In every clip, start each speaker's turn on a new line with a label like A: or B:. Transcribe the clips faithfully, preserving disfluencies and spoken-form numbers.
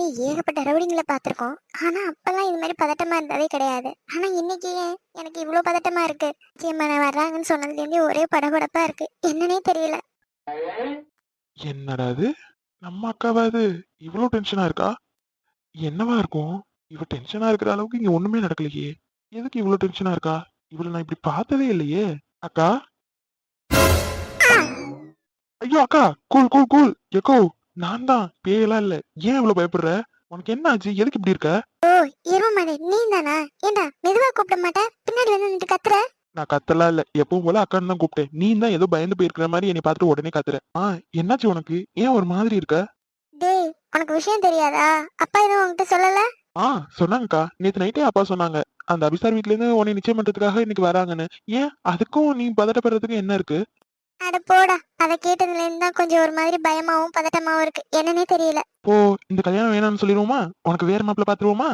A: ஏகப்பட்ட ரவுடிங்களை பார்த்துருக்கோம். ஆனா அப்பெல்லாம் இது மாதிரி பதட்டமா இருந்ததே கிடையாது. ஆனா இன்னைக்கு ஏன் எனக்கு இவ்வளவு பதட்டமா இருக்கு? நிச்சயமான வர்றாங்கன்னு சொன்னதுல இருந்தே ஒரே படபடப்பா இருக்கு. என்னன்னே தெரியல.
B: என்னடா இது? நம்ம அக்காவா இது? இவ்வளவு டென்ஷனா இருக்கா? என்னவா இருக்கும்? இவ டென்ஷனா இருக்கிற அளவுக்கு இங்க ஒண்ணுமே நடக்கலையே. எதுக்கு இவ்வளவு டென்ஷனா இருக்கா? இவள நான் இப்படி பார்த்ததே இல்லையே. அக்கா, ஐயோ அக்கா, கூல் கூல் கூல். எக்கோ, நான் தான், பேயெல்லாம் இல்ல. ஏன் இவ்வளவு பயப்படுற? உனக்கு என்ன ஆச்சு? எதுக்கு இப்படி இருக்க?
A: ஓ, எருமமானே நீ தானா? ஏண்டா மெதுவா கூப்பிட மாட்டேன், பின்னாடி வந்து நின்று கத்துற.
B: நான் கத்தலாம் இல்ல. எப்பவும் போல அக்கான்னு தான் கூப்பிட்டேன். நீ தான் ஏதோ பயந்து போயிருக்கிற மாதிரி என்னை பார்த்துட்டு உடனே கத்துற. ஆ, என்னாச்சு உனக்கு? ஏன் ஒரு மாதிரி இருக்க?
A: டேய், உனக்கு விஷயம் தெரியாதா? அப்பா எதுவும் உன்கிட்ட சொல்லல?
B: ஆ, சொன்னாங்கக்கா. நேத்து நைட்டே அப்பா சொன்னாங்க. அந்த அபிசார் வீட்ல இருந்து உன்னை நிச்சயம் பண்றதுக்காக இன்னைக்கு வராங்கன்னு. ஏன் அதுக்கும் நீ பதட்டப்படுறதுக்கு என்ன இருக்கு?
A: அட போடா, அதை கேட்டதுல இருந்து தான் கொஞ்சம் ஒரு மாதிரி பயமாவும் பதட்டமாவும் இருக்கு. என்னன்னே தெரியல.
B: இப்போ இந்த கல்யாணம் வேணாம்னு சொல்லிடுவோமா? உனக்கு வேற மாப்பிள்ள பாத்துருவோமா?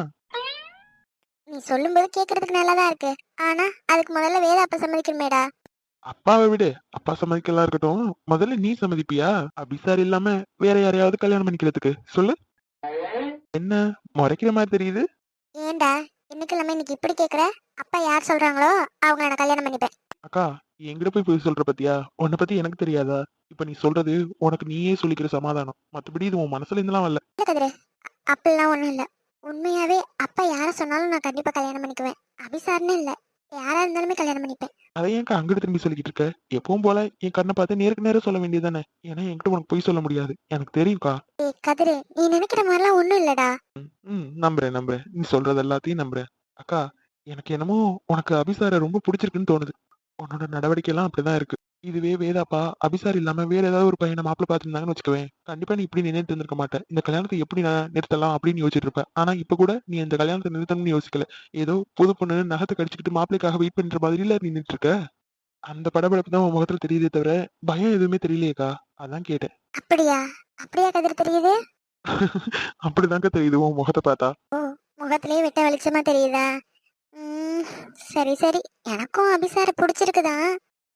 A: நீ சொல்லும்போது கேக்குறதுக்கு நல்லாதான் இருக்கு. ஆனா அதுக்கு முதல்ல வேத அப்ப சம்மதிக்கணுமேடா.
B: அப்பாவை விடு. அப்பா சம்மதிக்கலாம் இருக்கட்டும். முதல்ல நீ சம்மதிப்பியா? அபிசார் இல்லாம வேற யாரையாவது கல்யாணம் பண்ணிக்கிறதுக்கு சொல்லு. என்ன முறைக்கிற மாதிரி தெரியுது?
A: ஏன்டா இன்னைக்கு இல்லாம இன்னைக்கு இப்படி கேக்குற? அப்பா யார் சொல்றாங்களோ அவங்கள நான் கல்யாணம் பண்ணிப்பேன்.
B: அக்கா, என்கிட்ட போய் போய் சொல்ற பத்தியா? உன்னை பத்தி எனக்கு தெரியாதா? இப்ப நீ சொல்றது உனக்கு நீயே சொல்லிக்கிற சமாதானம். மத்தபடி இது உன் மனசுல இருந்தெல்லாம் வரல.
A: இல்ல கதிரு, அப்படிலாம் ஒண்ணும் இல்ல. உண்மையாவே அப்பா யார சொன்னாலும் நான் கண்டிப்பா கல்யாணம் பண்ணிக்குவேன். அபிசார்னு இல்ல, யாரா இருந்தாலுமே கல்யாணம் பண்ணிப்பேன்.
B: அதை ஏன்க்கா அங்கிட்டு திரும்பி சொல்லிக்கிட்டு இருக்க? எப்பவும் போல என் கண்ணை பார்த்து நேருக்கு நேரம் சொல்ல வேண்டியதானே? ஏன்னா என்கிட்ட உனக்கு போய் சொல்ல முடியாது. எனக்கு தெரியும்க்கா.
A: ஏய் கதிரு, நீ நினைக்கிற மாதிரிலாம் ஒண்ணும் இல்லடா.
B: ம், நம்புறேன் நம்புறேன். நீ சொல்றது எல்லாத்தையும் நம்புறேன். அக்கா, எனக்கு என்னமோ உனக்கு அபிசார ரொம்ப பிடிச்சிருக்குன்னு தோணுது. உன்னோட நடவடிக்கை எல்லாம் அப்படிதான் இருக்கு. இதுவே வேதாப்பா அபிசார் இல்லாம வேற ஏதாவது ஒரு பையனை மாப்பிள்ள பார்த்துருந்தாங்கன்னு வச்சுக்கவேன், கண்டிப்பா நீ இப்படி நின்னுட்டு இருந்திருக்க மாட்டேன். இந்த கல்யாணத்தை எப்படி நான் நிறுத்தலாம் அப்படின்னு யோசிச்சுட்டு இருப்ப. ஆனா இப்ப கூட நீ இந்த கல்யாணத்தை நிறுத்தணும்னு யோசிக்கல. ஏதோ புது பொண்ணு நகத்தை கடிச்சுக்கிட்டு மாப்பிள்ளைக்காக வெயிட் பண்ற மாதிரில நின்னுட்டு இருக்க. அந்த படபடப்பு தான் உன் முகத்துல தெரியுதே தவிர பயம் எதுவுமே தெரியலையேக்கா. அதான் கேட்டேன்.
A: அப்படியா? அப்படியா கதிரு தெரியுது?
B: அப்படிதாங்க தெரியுது உன் முகத்தை பார்த்தா.
A: ஓ, முகத்திலேயே வெட்ட வெளிச்சமா தெரியுதா? ம், சரி சரி, எனக்கும் அபிசார பிடிச்சிருக்குதான்.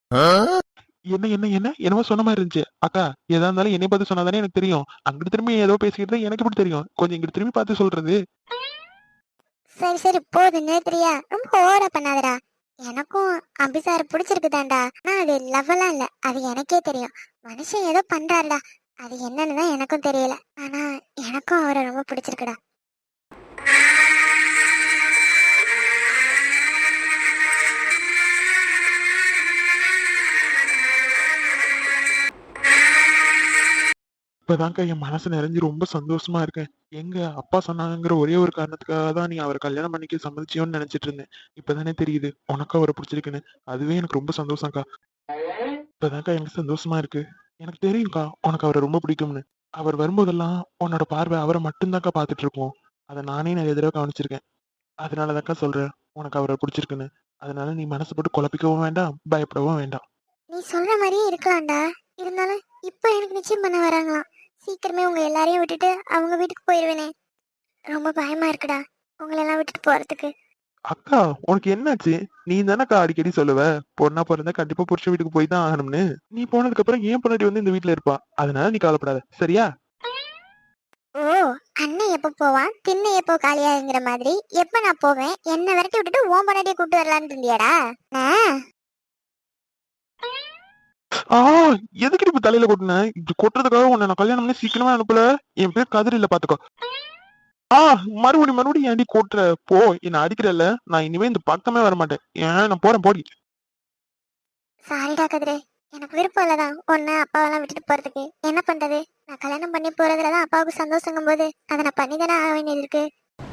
B: என்ன என்ன என்ன என்னமோ சொன்ன மாதிரி இருந்துச்சு. அக்கா, எதா இருந்தாலும் என்னை பார்த்து சொன்னாதானே எனக்கு தெரியும். அங்கிட்டு திரும்பி ஏதோ பேசிக்கிட்டு இருந்தா எனக்கு எப்படி தெரியும்? கொஞ்சம் இங்கிட்டு திரும்பி பார்த்து சொல்றது.
A: சரி சரி போதும் நேத்ரியா, ரொம்ப ஓவரா பண்ணாதடா. எனக்கும் அபிசார பிடிச்சிருக்குதான்டா. ஆனா அது லவ்வெல்லாம் இல்ல, அது எனக்கே தெரியும். மனுஷன் ஏதோ பண்றாருடா, அது என்னன்னு தான் எனக்கும் தெரியல. ஆனா எனக்கும் அவரை ரொம்ப பிடிச்சிருக்குடா.
B: இப்பதான்க்கா என் மனசு நிறைஞ்சு ரொம்ப சந்தோஷமா இருக்கேன். எங்க அப்பா சொன்னாங்கிற ஒரே ஒரு காரணத்துக்காக தான் நீ அவரை கல்யாணம் பண்ணிக்க சம்மதிச்சியோன்னு நினைச்சிட்டு இருந்தேன். இப்பதானே தெரியுது உனக்கு அவரை பிடிச்சிருக்குன்னு. அதுவே எனக்கு ரொம்ப சந்தோஷம்க்கா. இப்பதான்க்கா எனக்கு சந்தோஷமா இருக்கு. எனக்கு தெரியும்க்கா உனக்கு அவரை ரொம்ப பிடிக்கும்னு. அவர் வரும்போதெல்லாம் உன்னோட பார்வை அவரை மட்டும்தான்க்கா பார்த்துட்டு இருப்போம். அதை நானே நிறைய தடவை கவனிச்சிருக்கேன். அதனாலதான்க்கா சொல்றேன் உனக்கு அவரை பிடிச்சிருக்குன்னு. அதனால நீ மனசு போட்டு குழப்பிக்கவும் வேண்டாம், பயப்படவும் வேண்டாம்.
A: நீ சொல்ற மாதிரியே இருக்கலாம்டா. இருந்தாலும் இப்ப எனக்கு நிச்சயம் பண்ண வராங்களாம். சீக்கிரமே உங்க எல்லாரையும் விட்டுட்டு அவங்க வீட்டுக்கு போயிருவேனே. ரொம்ப பயமா இருக்குடா உங்களை எல்லாம் விட்டுட்டு போறதுக்கு.
B: அக்கா, உனக்கு என்னாச்சு? நீ தானக்கா அடிக்கடி சொல்லுவ, பொண்ணா பிறந்தா கண்டிப்பா புருஷ வீட்டுக்கு போய் தான் ஆகணும்னு. நீ போனதுக்கு அப்புறம் ஏன் பொண்டாட்டி வந்து இந்த வீட்டுல இருப்பா. அதனால நீ கவலைப்படாத, சரியா?
A: ஓ, அண்ணன் எப்போ போவான் திண்ணை எப்போ காலியாங்கிற மாதிரி எப்ப நான் போவேன் என்ன விரட்டி விட்டுட்டு ஓம் பண்ணாடியே கூட்டு வரலான்னு இருந்தியாடா? ஆ,
B: ஆ, எதுக்கு இப்ப தலையில கொட்டின? இப்படி கொட்டுறதுக்காக உன்னை நான் கல்யாணம் பண்ணி சீக்கிரமா அனுப்பல. என் பேர் கதிர் இல்ல, பாத்துக்கோ. ஆ, மறுபடியும் மறுபடியும் ஏன்டி கொட்டுற? போ, என்ன அடிக்கிறல்ல. நான் இனிமே இந்த பக்கமே வர மாட்டேன். ஏன் நான் போறேன், போடி.
A: சாரிடா கதிரே, எனக்கு விருப்பம் இல்லதான் உன்னை அப்பாவெல்லாம் விட்டுட்டு போறதுக்கு. என்ன பண்றது, நான் கல்யாணம் பண்ணி போறதுலதான் அப்பாவுக்கு சந்தோஷங்கும் போது அதை நான் பண்ணி தானே ஆக வேண்டியது இருக்கு.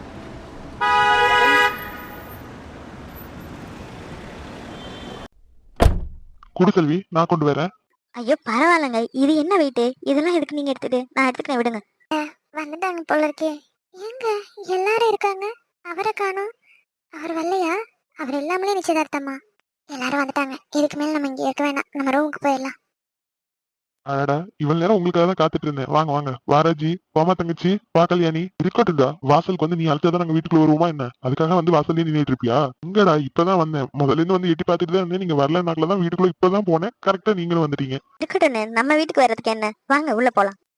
B: குடுக்கல்வி, நான் கொண்டு வரேன்.
A: ஐயோ பரவாயில்லங்க, இது என்ன வெயிட்டு, இதெல்லாம் எதுக்கு நீங்க எடுத்துட்டு, நான் எடுத்துக்கிறேன் விடுங்க. வந்துட்டாங்க போல இருக்கே. எங்க எல்லாரும் இருக்காங்க, அவரை காணோம். அவர் வரலையா? அவர் இல்லாமலே நிச்சயதார்த்தமா? எல்லாரும் வந்துட்டாங்க, இதுக்கு மேல நம்ம இங்க இருக்க வேணாம், நம்ம ரூமுக்கு போயிடலாம்.
B: அடடா, இவ்வளவு நேரம் உங்களுக்காக தான் காத்துட்டு இருந்தேன். வாங்க வாங்க, வாராஜி, வாமா தங்கச்சி, வா கல்யாணி. இருக்கட்டும்டா, வாசலுக்கு வந்து நீ அழைச்சாதான் நாங்க வீட்டுக்குள்ள வருவோமா என்ன? அதுக்காக வந்து வாசல்லே நின்னுட்டு இருப்பியா? எங்கடா, இப்பதான் வந்தேன். முதல்ல இருந்து வந்து எட்டி பார்த்துட்டு தான் இருந்தேன். நீங்க வரலனாக்கல தான் வீட்டுக்குள்ள இப்பதான் போனேன். கரெக்டா நீங்களும் வந்துட்டீங்க.
A: இருக்கட்டும், நம்ம வீட்டுக்கு வர்றதுக்கு என்ன, வாங்க உள்ள போலாம்.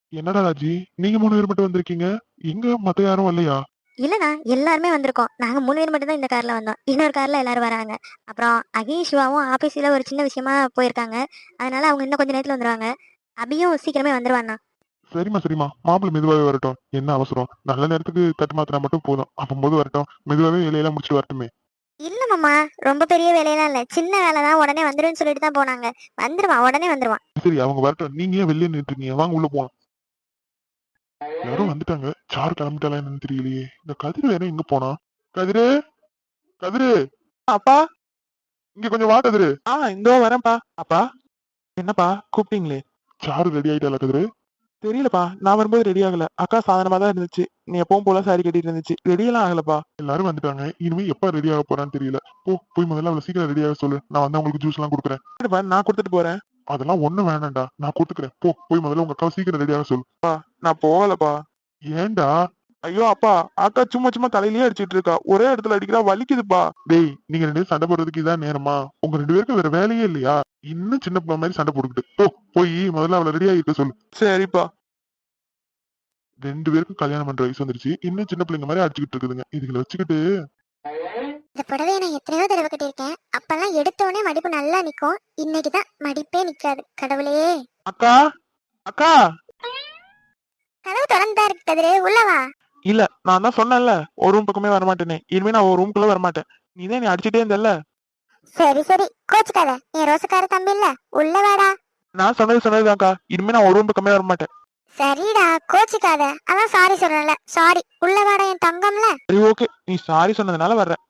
B: என்னடா ராஜி, நீங்க மூணு பேர் மட்டும் வந்திருக்கீங்க, எங்க மத்த யாரும் வரலையா?
A: இல்லைண்ணா, எல்லாருமே வந்திருக்கோம். நாங்கள் மூணு பேர் மட்டும் தான் இந்த காரில் வந்தோம். இன்னொரு காரில் எல்லாரும் வராங்க. அப்புறம் அகியும் சிவாவும் ஆஃபீஸில் ஒரு சின்ன விஷயமா போயிருக்காங்க. அதனால அவங்க இன்னும் கொஞ்சம் நேரத்தில் வந்துடுவாங்க. அபியும் சீக்கிரமே வந்துடுவாண்ணா.
B: சரிம்மா சரிம்மா, மாப்பிள்ளை மெதுவாவே வரட்டும், என்ன அவசரம்? நல்ல நேரத்துக்கு தட்டு மாத்தினா மட்டும் போதும், அப்பம்போது வரட்டும், மெதுவாவே வேலையெல்லாம் முடிச்சுட்டு வரட்டுமே.
A: இல்லை மாமா, ரொம்ப பெரிய வேலையெல்லாம் இல்லை, சின்ன வேலை தான், உடனே வந்துடுன்னு சொல்லிட்டு தான் போனாங்க. வந்துடுவான், உடனே வந்துடுவான்.
B: சரி, அவங்க வரட்டும், நீங்க ஏன் வெளியே நின்றுட்டு இருக்கீங்க? வாங்க உள்ள போலாம். யாரும் வந்துட்டாங்க, சாரு கிளம்பிட்டாலா என்னன்னு தெரியலையே. இந்த கதிர் வேற எங்க போனா? கதிரு, கதிரு, அப்பா, இங்க கொஞ்சம் வா கதிரு. ஆ இந்தோ வரேன்ப்பா. அப்பா, என்னப்பா கூப்பிட்டீங்களே? சாரு ரெடி ஆயிட்டாளா கதிரு? தெரியலப்பா, நான் வரும்போது ரெடி ஆகல. அக்கா சாதனமா தான் இருந்துச்சு. நீ எப்பவும் போல சாரி கட்டிட்டு இருந்துச்சு, ரெடியெல்லாம் ஆகலப்பா. எல்லாரும் வந்துட்டாங்க, இனிமே எப்ப ரெடி ஆக போறான்னு தெரியல. போ, போய் முதல்ல அவளை சீக்கிரம் ரெடி ஆக சொல்லு, நான் வந்து அவங்களுக்கு ஜூஸ் எல்லாம் கொடுக்குறேன். இல்லப்பா, நான் கொடுத்துட்டு போறேன். அதெல்லாம் ஒண்ணும் வேணாம்டா, நான் கொடுத்துக்கிறேன். போ, போய் முதல்ல உங்க அக்காவை சீக்கிரம் ரெடி ஆக சொல்லு. நான் போகலப்பா. ஏன்டா? ஐயோ அப்பா, அக்கா சும்மா சும்மா தலையிலேயே அடிச்சிட்டு இருக்கா, ஒரே இடத்துல அடிக்கிறா, வலிக்குதுப்பா. டேய், நீங்க ரெண்டு பேரும் சண்டை போடுறதுக்கு இதான் நேரமா? உங்க ரெண்டு பேருக்கும் வேற வேலையே இல்லையா? இன்னும் சின்ன பிள்ளை மாதிரி சண்டை போட்டுக்கிட்டு போ, போய் முதல்ல அவளை ரெடி ஆகிக்க சொல்லு. சரிப்பா. ரெண்டு பேருக்கும் கல்யாணம் பண்ற வயசு வந்துருச்சு, இன்னும் சின்ன பிள்ளைங்க மாதிரி அடிச்சுக்கிட்டு இருக்குதுங்க, இதுகளை வச்சுக்கிட்டு.
A: இந்த புடவையை நான் எத்தனையோ தடவை கட்டியிருக்கேன். அப்பெல்லாம் எடுத்தோடனே மடிப்பு நல்லா நிற்கும். இன்னைக்கு தான் மடிப்பே நிற்காது. கடவுளே.
B: அக்கா, அக்கா.
A: கதவு திறந்தா இருக்கு கதிரே, உள்ளவா.
B: இல்ல, நான் தான் சொன்னேன்ல, ஒரு ரூம் பக்கமே வரமாட்டேனே. இனிமே நான் ஒரு ரூம்குள்ள வரமாட்டேன். நீ தான் நீ அடிச்சுட்டே இருந்தல்ல.
A: சரி சரி, கோச்சுக்காத. நீ ரோசக்கார தம்பி இல்ல, உள்ள வாடா.
B: நான் சொன்னது சொன்னதுதான்க்கா, இனிமே நான் ஒரு ரூம் பக்கமே வரமாட்டேன்.
A: சரிடா, கோச்சுக்காத. அதான் சாரி சொல்றேன்ல, சாரி. உள்ள வாடா என் தங்கம்ல.
B: சரி ஓகே, நீ சாரி சொன்னதுனால வர்றேன்.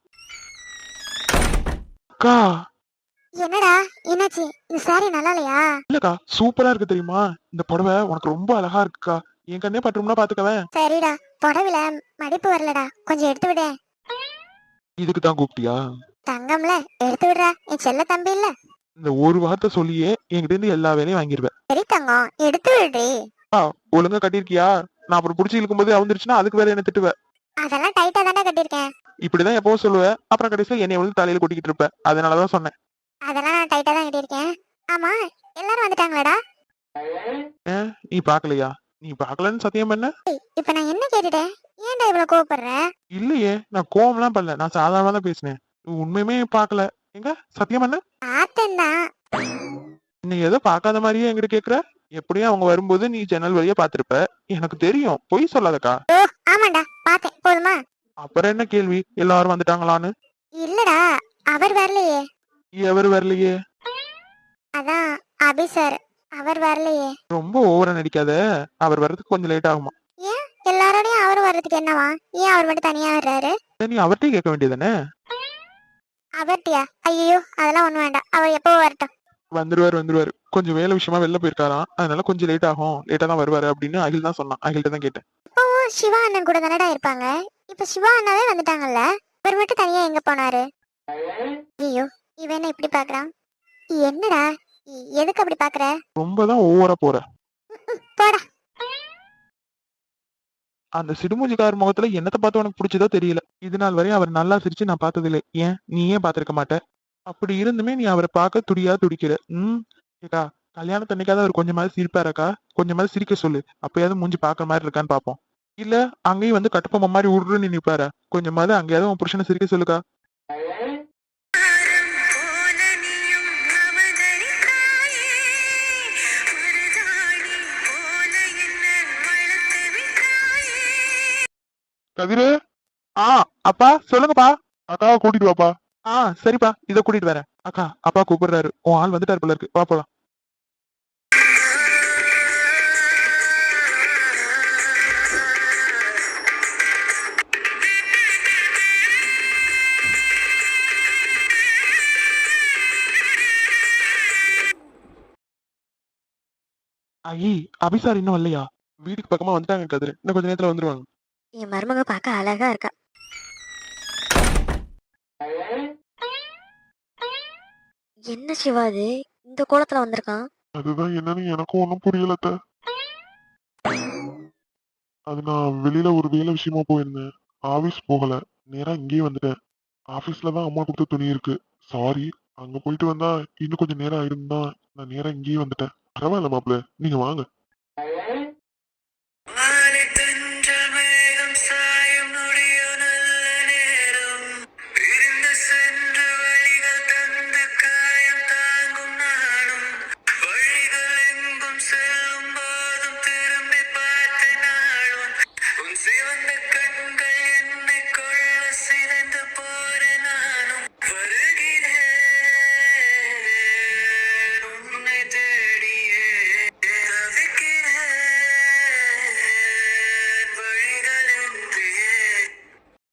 B: அக்கா.
A: என்னடா என்னாச்சு? இந்த சாரி நல்லா இல்லையா?
B: இல்லக்கா, சூப்பரா இருக்கு தெரியுமா? இந்த புடவை உனக்கு ரொம்ப அழகா இருக்குக்கா. என் கண்ணே பட்டும்னா பாத்துக்கவேன்.
A: சரிடா, புடவில மடிப்பு வரலடா, கொஞ்சம் எடுத்து விட.
B: இதுக்கு தான் கூப்பிட்டியா?
A: தங்கம்ல, எடுத்து விடுறா என் செல்ல தம்பி இல்ல.
B: இந்த ஒரு வார்த்தை சொல்லியே என்கிட்ட இருந்து எல்லா வேலையும் வாங்கிருவேன்.
A: சரி தங்கம், எடுத்து விடுறி.
B: ஒழுங்கா கட்டிருக்கியா? நான் அப்புறம் புடிச்சு இழுக்கும் போது அவுந்துருச்சுன்னா அதுக்கு வேற என்ன திட்டுவேன்.
A: அதெல்லாம் டைட்டா தானே கட்டியிருக்கேன்.
B: இப்படிதான் எப்பவும் சொல்லுவேன், அப்புறம் கடைசியில என்னை வந்து தலையில கொட்டிக்கிட்டு இருப்ப. அதனாலதான் சொன்னேன்.
A: அதெல்லாம் நான் டைட்டா தான் கட்டியிருக்கேன். ஆமா, எல்லாரும் வந்துட்டாங்களாடா?
B: ஏன் நீ பாக்கலையா? நீ பாக்கலன்னு சத்தியம் பண்ண?
A: இப்ப நான் என்ன கேட்டுட்டேன்? ஏன்டா இவ்வளவு கோவப்படுற?
B: இல்லையே, நான் கோவம்லாம் பண்ணல, நான் சாதாரணமா தான் பேசினேன். நீ உண்மையுமே பாக்கல. எங்க சத்தியம் பண்ண?
A: பார்த்தேன்தான்.
B: நீ ஏதோ பாக்காத மாதிரியே என்கிட்ட கேக்குற. எப்படியும் அவங்க வரும்போது நீ ஜன்னல் வழியா பாத்திருப்ப. எனக்கு தெரியும், பொய் சொல்லாதக்கா.
A: ஓ ஆமாண்டா, பார்த்தேன். போதுமா?
B: அப்புறம் என்ன கேள்வி, எல்லாரும் வந்துட்டாங்களான்னு?
A: இல்லடா, அவர் வரலையே.
B: எவர் வரலையே?
A: அதான் அபி சார், அவர் வரலையே.
B: ரொம்ப ஓவரா நடிக்காத, அவர் வர்றதுக்கு கொஞ்சம் லேட் ஆகுமா.
A: ஏன் எல்லாரோடையும் அவர் வர்றதுக்கு என்னவா? ஏன் அவர் மட்டும் தனியா வர்றாரு?
B: நீ அவர்கிட்டயே கேட்க வேண்டியதானே?
A: அவர்ட்டியா? ஐயோ, அதெல்லாம் ஒண்ணும் வேண்டாம், அவர் எப்போ வரட்டும்.
B: வந்துருவாரு வந்துருவாரு, கொஞ்சம் வேலை விஷயமா வெளில போயிருக்காராம், அதனால கொஞ்சம் லேட் ஆகும், லேட்டா தான் வருவாரு அப்படின்னு அகில் தான் சொன்னான். அகில்கிட்ட தான் கேட்டேன்.
A: இப்பவும் சிவா அண்ணன் கூட தானடா இருப்பாங்க. இப்ப சிவா அண்ணாவே வந்துட்டாங்கல்ல, அவர் மட்டும் தனியா எங்க போனாரு? ஐயோ, இவன் என்ன இப்படி பாக்குறான்? என்னடா, எ- எதுக்கு அப்படி பாக்குற?
B: ரொம்ப தான் ஓவரா போற.
A: போடா.
B: அந்த சிடுமூஞ்சிக்கார முகத்துல என்னத்தை பார்த்து உனக்கு பிடிச்சதோ தெரியல. இது நாள் வரையும் அவர் நல்லா சிரிச்சு நான் பார்த்ததில்லை. ஏன் நீ ஏன் பாத்திருக்க மாட்ட? அப்படி இருந்துமே நீ அவரை பார்க்க துடியா துடிக்கிற. ம் ஏக்கா, கல்யாணத்து அன்னைக்காவது அவர் கொஞ்சமாவது சிரிப்பாரக்கா. கொஞ்சமாவது சிரிக்க சொல்லு, அப்பயாவது மூஞ்சி பாக்குற மாதிரி இருக்கான்னு பாப்போம். இல்ல அங்கேயும் வந்து கட்டுப்பொம்மை மாதிரி உருன்னு நிப்பாரா? கொஞ்சமாவது அங்கேயாவது உன் புருஷனை சிரிக்க சொல்லுக்கா. கதிரு. ஆ அப்பா சொல்லுங்கப்பா. அக்காவை கூட்டிட்டு வாப்பா. ஆ சரிப்பா, இத கூட்டிட்டு வரேன். அக்கா, அப்பா கூப்பிடுறாரு, உன் ஆள் வந்துட்டாரு போல இருக்கு, வா போலாம். ஐ அபிசார் இன்னும் வரலையா? வீட்டுக்கு பக்கமா வந்துட்டாங்க கதிரு, இன்னும் கொஞ்ச நேரத்துல வந்துருவாங்க.
A: என் மருமக பார்க்க அழகா இருக்கா. என்ன சிவா இது, இந்த கோலத்துல வந்திருக்கான்?
B: அதுதான் என்னன்னு எனக்கும் ஒன்னும் புரியல அத்தை. அது நான் வெளியில ஒரு வேலை விஷயமா போயிருந்தேன், ஆபீஸ் போகல, நேரா இங்கேயே வந்துட்டேன். ஆபீஸ்ல தான் அம்மா கொடுத்த துணி இருக்கு. சாரி, அங்க போயிட்டு வந்தா இன்னும் கொஞ்சம் நேரம் ஆயிருந்தா நான் நேரா இங்கேயே வந்துட்டேன். பரவாயில்ல மாப்பிள்ள, நீங்க வாங்க.